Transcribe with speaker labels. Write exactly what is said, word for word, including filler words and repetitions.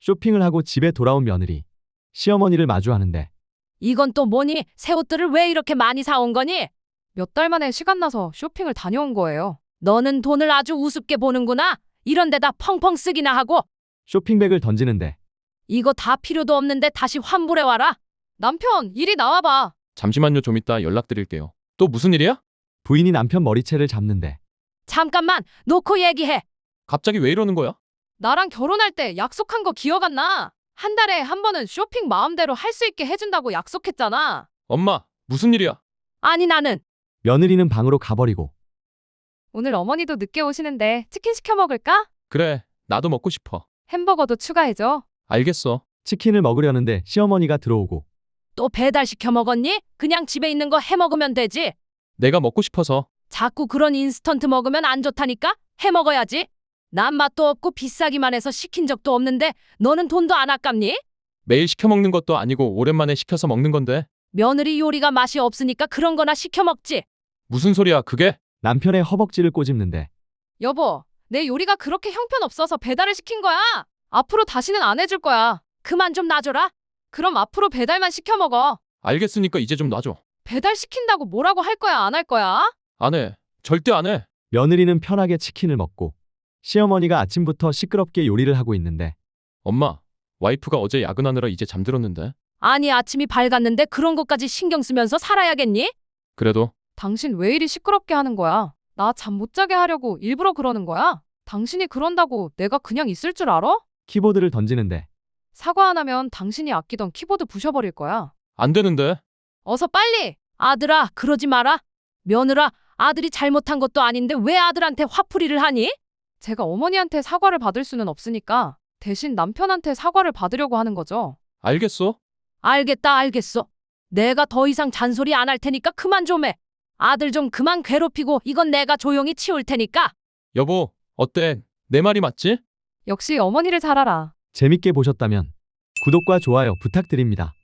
Speaker 1: 쇼핑을 하고 집에 돌아온 며느리. 시어머니를 마주하는데
Speaker 2: 이건 또 뭐니? 새 옷들을 왜 이렇게 많이 사온 거니? 몇 달 만에 시간 나서 쇼핑을 다녀온 거예요. 너는 돈을 아주 우습게 보는구나. 이런 데다 펑펑 쓰기나 하고.
Speaker 1: 쇼핑백을 던지는데
Speaker 2: 이거 다 필요도 없는데 다시 환불해 와라. 남편, 이리 나와봐.
Speaker 3: 잠시만요. 좀 이따 연락드릴게요. 또 무슨 일이야?
Speaker 1: 부인이 남편 머리채를 잡는데
Speaker 2: 잠깐만, 놓고 얘기해.
Speaker 3: 갑자기 왜 이러는 거야?
Speaker 2: 나랑 결혼할 때 약속한 거 기억 안 나? 한 달에 한 번은 쇼핑 마음대로 할 수 있게 해준다고 약속했잖아.
Speaker 3: 엄마, 무슨 일이야?
Speaker 2: 아니 나는.
Speaker 1: 며느리는 방으로 가버리고
Speaker 2: 오늘 어머니도 늦게 오시는데 치킨 시켜 먹을까?
Speaker 3: 그래, 나도 먹고 싶어.
Speaker 2: 햄버거도 추가해줘.
Speaker 3: 알겠어.
Speaker 1: 치킨을 먹으려는데 시어머니가 들어오고
Speaker 2: 또 배달 시켜 먹었니? 그냥 집에 있는 거 해 먹으면 되지.
Speaker 3: 내가 먹고 싶어서.
Speaker 2: 자꾸 그런 인스턴트 먹으면 안 좋다니까? 해 먹어야지. 난 맛도 없고 비싸기만 해서 시킨 적도 없는데 너는 돈도 안 아깝니?
Speaker 3: 매일 시켜 먹는 것도 아니고 오랜만에 시켜서 먹는 건데.
Speaker 2: 며느리 요리가 맛이 없으니까 그런 거나 시켜 먹지.
Speaker 3: 무슨 소리야, 그게?
Speaker 1: 남편의 허벅지를 꼬집는데
Speaker 2: 여보, 내 요리가 그렇게 형편없어서 배달을 시킨 거야. 앞으로 다시는 안 해줄 거야. 그만 좀 놔줘라. 그럼 앞으로 배달만 시켜 먹어.
Speaker 3: 알겠으니까 이제 좀 놔줘.
Speaker 2: 배달 시킨다고 뭐라고 할 거야, 안 할 거야?
Speaker 3: 안 해. 절대 안 해.
Speaker 1: 며느리는 편하게 치킨을 먹고 시어머니가 아침부터 시끄럽게 요리를 하고 있는데
Speaker 3: 엄마, 와이프가 어제 야근하느라 이제 잠들었는데.
Speaker 2: 아니 아침이 밝았는데 그런 것까지 신경 쓰면서 살아야겠니?
Speaker 3: 그래도
Speaker 2: 당신 왜 이리 시끄럽게 하는 거야? 나 잠 못 자게 하려고 일부러 그러는 거야? 당신이 그런다고 내가 그냥 있을 줄 알아?
Speaker 1: 키보드를 던지는데
Speaker 2: 사과 안 하면 당신이 아끼던 키보드 부셔버릴 거야.
Speaker 3: 안 되는데.
Speaker 2: 어서 빨리! 아들아, 그러지 마라. 며느라, 아들이 잘못한 것도 아닌데 왜 아들한테 화풀이를 하니? 제가 어머니한테 사과를 받을 수는 없으니까 대신 남편한테 사과를 받으려고 하는 거죠.
Speaker 3: 알겠어?
Speaker 2: 알겠다, 알겠어. 내가 더 이상 잔소리 안 할 테니까 그만 좀 해. 아들 좀 그만 괴롭히고 이건 내가 조용히 치울 테니까.
Speaker 3: 여보, 어때? 내 말이 맞지?
Speaker 2: 역시 어머니를 잘 알아.
Speaker 1: 재밌게 보셨다면 구독과 좋아요 부탁드립니다.